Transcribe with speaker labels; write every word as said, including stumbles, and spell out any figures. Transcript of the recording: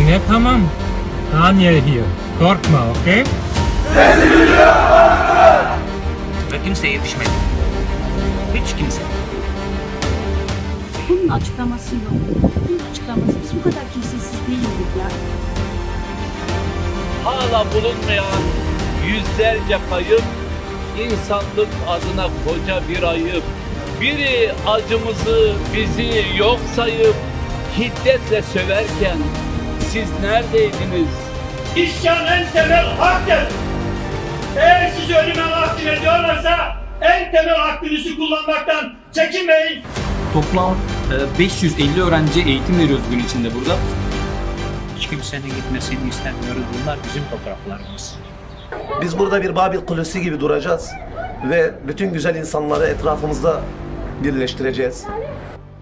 Speaker 1: Yine tamam. Daniel here. Korkma, okey?
Speaker 2: Ve kimseye yetişmedi. Hiç kimse.
Speaker 3: Bunun açıklaması yok. Bunun açıklaması biz bu kadar kimsesiz değildik ya.
Speaker 4: Hala bulunmayan yüzlerce kayıp, insanlık adına koca bir ayıp. Biri acımızı, bizi yok sayıp hiddetle söverken siz neredeydiniz?
Speaker 5: İsyan en temel haktır. Eğer sizi ölüme mahkum ediyorlarsa en temel hakkınızı kullanmaktan çekinmeyin.
Speaker 6: Toplam e, beş yüz elli öğrenciye eğitim veriyoruz gün içinde burada.
Speaker 2: Hiç kimsenin gitmesini istemiyoruz. Bunlar bizim topraklarımız.
Speaker 7: Biz burada bir Babil Kulesi gibi duracağız ve bütün güzel insanları etrafımızda birleştireceğiz.